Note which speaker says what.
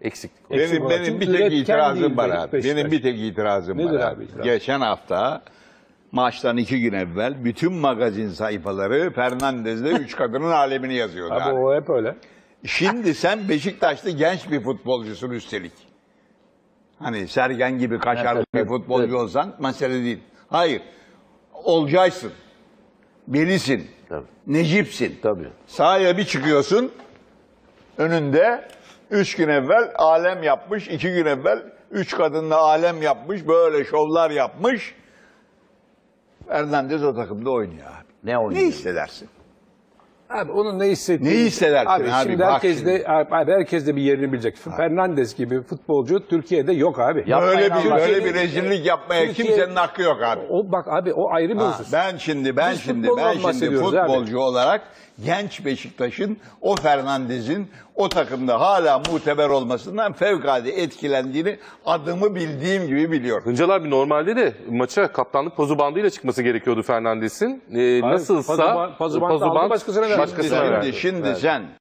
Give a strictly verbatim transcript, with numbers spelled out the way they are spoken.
Speaker 1: Eksiklik.
Speaker 2: Benim, benim bir tek itirazım var abi. Benim bir tek itirazım
Speaker 3: Nedir
Speaker 2: var
Speaker 3: abi
Speaker 2: abi.
Speaker 3: itiraz?
Speaker 2: Geçen hafta maçtan iki gün evvel bütün magazin sayfaları Fernandez'le üç kadının alemini yazıyordu
Speaker 3: Abi
Speaker 2: abi.
Speaker 3: o hep öyle.
Speaker 2: Şimdi sen Beşiktaş'ta genç bir futbolcusun üstelik. Hani Sergen gibi kaşarlı
Speaker 3: Evet,
Speaker 2: bir
Speaker 3: evet,
Speaker 2: futbolcu
Speaker 3: evet.
Speaker 2: olsan mesele değil. Hayır. Olcaysın. Belisin.
Speaker 1: Tabii.
Speaker 2: Necipsin.
Speaker 1: Tabii.
Speaker 2: Sahaya bir çıkıyorsun. Önünde üç gün evvel alem yapmış. iki gün evvel üç kadınla alem yapmış. Böyle şovlar yapmış. Fernandez o takımda oynuyor abi.
Speaker 1: Ne oynuyor?
Speaker 2: Ne hissedersin?
Speaker 3: Abi onun ne hissettiğini...
Speaker 2: Ne hissedersin
Speaker 3: abi?
Speaker 2: abi?
Speaker 3: Şimdi
Speaker 2: Bak
Speaker 3: herkes
Speaker 2: şimdi.
Speaker 3: de, abi herkes de bir yerini bilecek. Fernandes gibi futbolcu Türkiye'de yok abi.
Speaker 1: Ya-
Speaker 2: Böyle
Speaker 1: Yapmayın
Speaker 2: bir
Speaker 1: Allah
Speaker 2: böyle
Speaker 3: aşkına.
Speaker 2: bir rezillik yapmaya
Speaker 3: Türkiye-
Speaker 2: kimsenin hakkı yok abi.
Speaker 3: O bak abi o ayrı bir
Speaker 2: Ha,
Speaker 3: husus.
Speaker 2: ben şimdi ben
Speaker 3: Biz
Speaker 2: şimdi
Speaker 3: futboldan
Speaker 2: ben şimdi
Speaker 3: bahsediyoruz abi.
Speaker 2: futbolcu olarak genç Beşiktaş'ın o Fernandez'in o takımda hala muteber olmasından fevkalade etkilendiğini adımı bildiğim gibi biliyorum.
Speaker 1: Hıncal abi normalde de maça kaptanlık pozu bandıyla çıkması gerekiyordu Fernandes'in. Ee, nasılsa
Speaker 3: pozu ban- pozu bandı aldı, başkasına verdi.
Speaker 2: Şimdi,
Speaker 1: başkasına
Speaker 2: şimdi,
Speaker 1: verdi.
Speaker 2: şimdi
Speaker 1: Evet.
Speaker 2: sen